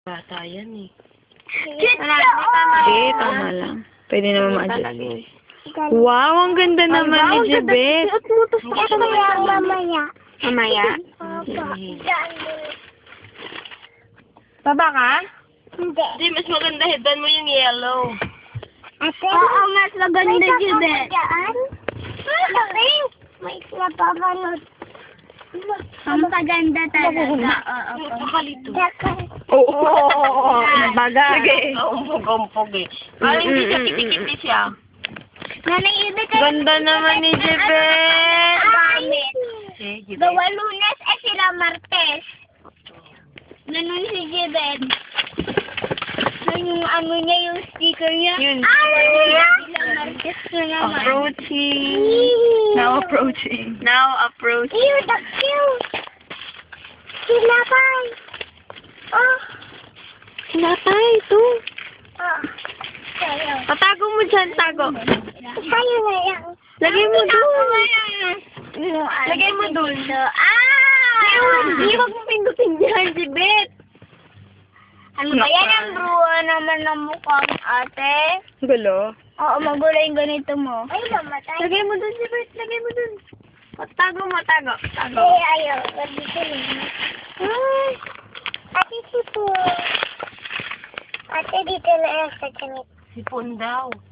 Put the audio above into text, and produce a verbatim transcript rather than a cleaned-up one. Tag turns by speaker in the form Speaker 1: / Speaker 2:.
Speaker 1: Bata yan eh.
Speaker 2: Hindi, tama lang. Pwede naman ma-adjust. Wow, ang ganda naman ni Jebet.
Speaker 3: Mamaya.
Speaker 2: Mamaya?
Speaker 3: Opo.
Speaker 2: Baba ka?
Speaker 3: Hindi.
Speaker 1: Hindi, mas maganda headan mo yung yellow.
Speaker 3: Ate? Oo, mas maganda yun eh. May napapanood. Ang paganda talaga. Oo,
Speaker 1: Pakalito.
Speaker 2: Oo, oo, oo. Bagay. Sige.
Speaker 1: Umpog-umpog eh. Parang hindi siya kiti-kiti siya.
Speaker 3: Nanay, ibig kayo.
Speaker 2: Ganda naman ni Jebet.
Speaker 3: Gamit.
Speaker 1: Eh, Jebet.
Speaker 3: Gawa Lunes, eh sila Martes. Ganun si Jebet. Yung ano niya, yung sticker niya.
Speaker 2: Yun.
Speaker 3: Ah, wala. Sila Martes na naman.
Speaker 2: Approaching. Now approaching. Now approaching.
Speaker 3: Ew, that's cute. Sinapay. Oh.
Speaker 2: Sinapay, ito.
Speaker 3: Oh. Sayo.
Speaker 2: Patago mo dyan, tago.
Speaker 3: Sayo na yan.
Speaker 2: Lagay mo dun.
Speaker 3: Lagay mo dun. Ah!
Speaker 2: Hindi, wag mo pindutin dyan, Jebet.
Speaker 3: Ano ba yan ang bruha naman ng mukhang ate?
Speaker 2: Gulo.
Speaker 3: Oo, magulo yung ganito mo. Ay, mamatay.
Speaker 2: Lagay mo dun, Jebet. Lagay mo dun. Tago mo, tago. Tago.
Speaker 3: Ay, ayaw. Dito lang.
Speaker 2: Ay.
Speaker 3: Ate, sipo. Ate, dito na yan sa ganito.
Speaker 1: Sipon daw.